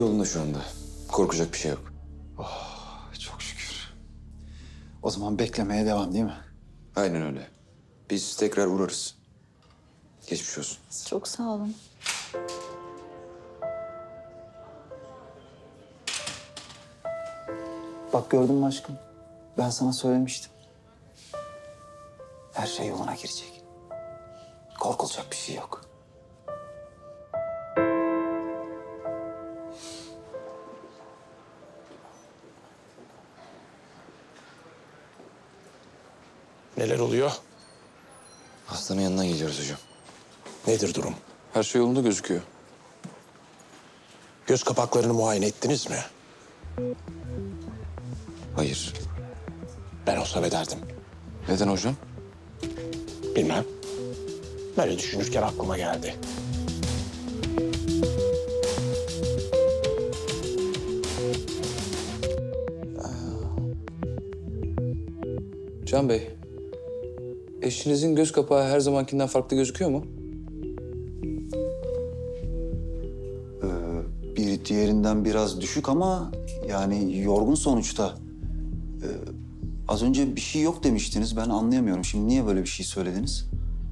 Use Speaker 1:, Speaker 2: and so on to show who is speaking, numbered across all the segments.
Speaker 1: Yolunda şu anda. Korkacak bir şey yok.
Speaker 2: Çok şükür. O zaman beklemeye devam değil mi?
Speaker 1: Aynen öyle. Biz tekrar uğrarız. Geçmiş olsun.
Speaker 3: Çok sağ olun.
Speaker 2: Bak gördün mü aşkım? Ben sana söylemiştim. Her şey yoluna girecek. Korkulacak bir şey yok.
Speaker 4: Neler oluyor?
Speaker 1: Hastanın yanına geliyoruz hocam.
Speaker 4: Nedir durum?
Speaker 1: Her şey yolunda gözüküyor.
Speaker 4: Göz kapaklarını muayene ettiniz mi?
Speaker 1: Hayır.
Speaker 4: Ben olsam ederdim.
Speaker 1: Neden hocam?
Speaker 4: Bilmem. Böyle düşünürken aklıma geldi.
Speaker 1: Can Bey, eşinizin göz kapağı her zamankinden farklı gözüküyor mu?
Speaker 2: Bir diğerinden biraz düşük ama yani yorgun sonuçta. Az önce bir şey yok demiştiniz. Ben anlayamıyorum. Şimdi niye böyle bir şey söylediniz?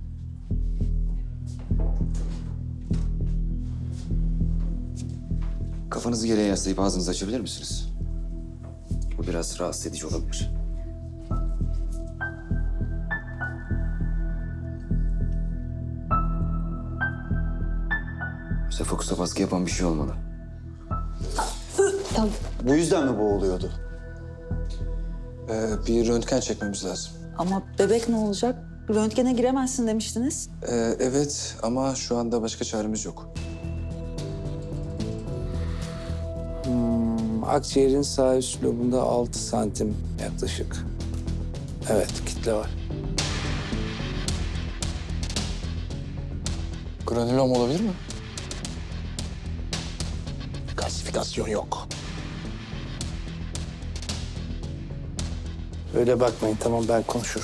Speaker 1: Kafanızı geriye yaslayıp ağzınızı açabilir misiniz? Bu biraz rahatsız edici olabilir. Sefokusa baskı yapan bir şey olmalı.
Speaker 2: Bu yüzden mi boğuluyordu?
Speaker 1: Bir röntgen çekmemiz lazım.
Speaker 3: Ama bebek ne olacak? Röntgene giremezsin demiştiniz.
Speaker 1: Evet ama şu anda başka çaremiz yok.
Speaker 5: Akciğerin sağ üst lobunda 6 santim yaklaşık. Evet, kitle var.
Speaker 1: Granülom olabilir mi?
Speaker 4: Kalsifikasyon yok.
Speaker 5: Öyle bakmayın, tamam ben konuşurum.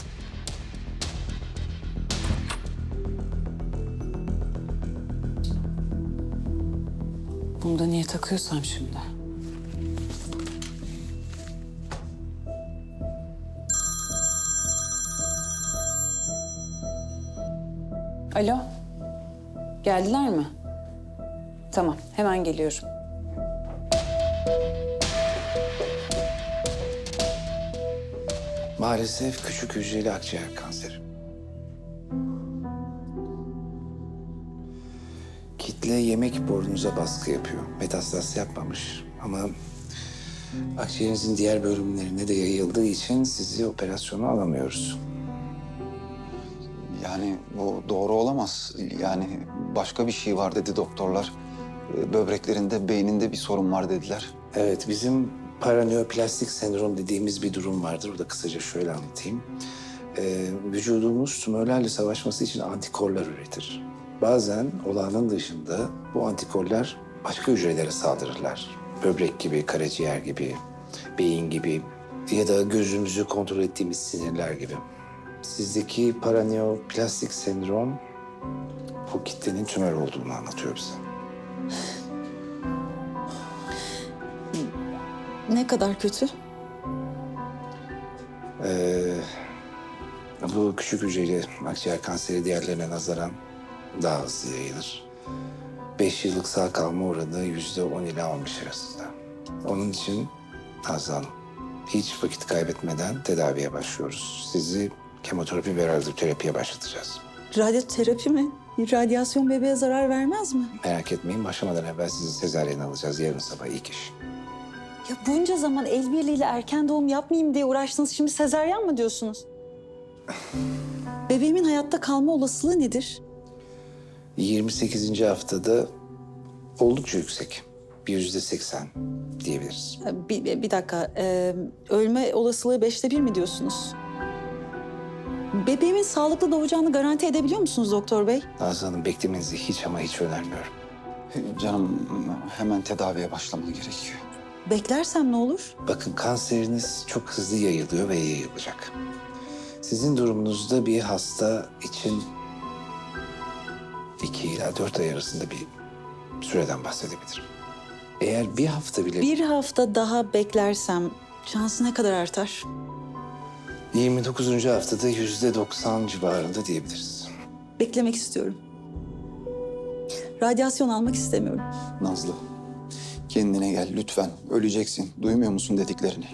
Speaker 3: Bunu da niye takıyorsam şimdi? Alo. Geldiler mi? Tamam, hemen geliyorum.
Speaker 5: Maalesef küçük hücreli akciğer kanseri. Kitle yemek borunuza baskı yapıyor. Metastaz yapmamış ama akciğerinizin diğer bölümlerine de yayıldığı için sizi operasyona alamıyoruz.
Speaker 2: Yani bu doğru olamaz. Yani başka bir şey var dedi doktorlar. Böbreklerinde, beyninde bir sorun var dediler.
Speaker 5: Evet, bizim paraneoplastik sendrom dediğimiz bir durum vardır. O da kısaca şöyle anlatayım. Vücudumuz tümörlerle savaşması için antikorlar üretir. Bazen olağanın dışında bu antikorlar başka hücrelere saldırırlar. Böbrek gibi, karaciğer gibi, beyin gibi ya da gözümüzü kontrol ettiğimiz sinirler gibi. Sizdeki paraneoplastik sendrom bu kitlenin tümör olduğunu anlatıyor bize.
Speaker 3: Ne kadar kötü?
Speaker 5: Bu küçük hücreli akciğer kanseri diğerlerine nazaran daha hızlı yayılır. 5 yıllık sağ kalma oranı %10 ile 15 arasında. Onun için Nazlı Hanım, hiç vakit kaybetmeden tedaviye başlıyoruz. Sizi kemoterapi ve radyoterapiye başlatacağız.
Speaker 3: Radyoterapi mi? Radyasyon bebeğe zarar vermez mi?
Speaker 5: Merak etmeyin, başlamadan evvel sizi sezaryen alacağız yarın sabah ilk iş.
Speaker 3: Ya bunca zaman el birliğiyle erken doğum yapmayayım diye uğraştınız. Şimdi sezaryen mi diyorsunuz? Bebeğimin hayatta kalma olasılığı nedir?
Speaker 5: 28. haftada oldukça yüksek. Bir %80 diyebiliriz.
Speaker 3: Bir dakika. Ölme olasılığı 1/5 mi diyorsunuz? Bebeğimin sağlıklı doğacağını garanti edebiliyor musunuz doktor bey?
Speaker 5: Nazlı Hanım, beklemenizi hiç ama hiç önermiyorum.
Speaker 2: Canım hemen tedaviye başlaman gerekiyor.
Speaker 3: Beklersem ne olur?
Speaker 5: Bakın, kanseriniz çok hızlı yayılıyor ve yayılacak. Sizin durumunuzda bir hasta için 2 ila 4 ay arasında bir süreden bahsedebilirim. Eğer bir hafta bile...
Speaker 3: Bir hafta daha beklersem şansı ne kadar artar?
Speaker 5: 29. haftada %90 civarında diyebiliriz.
Speaker 3: Beklemek istiyorum. Radyasyon almak istemiyorum.
Speaker 2: Nazlı, kendine gel lütfen. Öleceksin. Duymuyor musun dediklerini?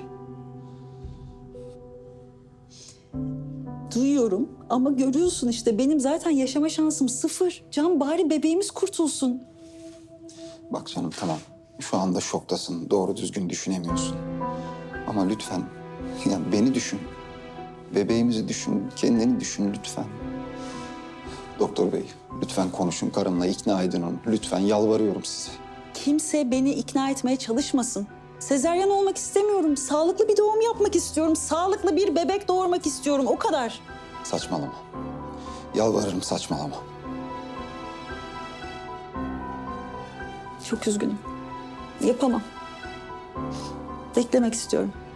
Speaker 3: Duyuyorum ama görüyorsun işte benim zaten yaşama şansım sıfır. Can bari bebeğimiz kurtulsun.
Speaker 2: Bak canım tamam. Şu anda şoktasın. Doğru düzgün düşünemiyorsun. Ama lütfen yani beni düşün. Bebeğimizi düşün. Kendini düşün lütfen. Doktor bey lütfen konuşun karımla. İkna edin onu. Lütfen yalvarıyorum size.
Speaker 3: Kimse beni ikna etmeye çalışmasın. Sezaryen olmak istemiyorum. Sağlıklı bir doğum yapmak istiyorum. Sağlıklı bir bebek doğurmak istiyorum. O kadar.
Speaker 2: Saçmalama. Yalvarırım saçmalama.
Speaker 3: Çok üzgünüm. Yapamam. Beklemek istiyorum.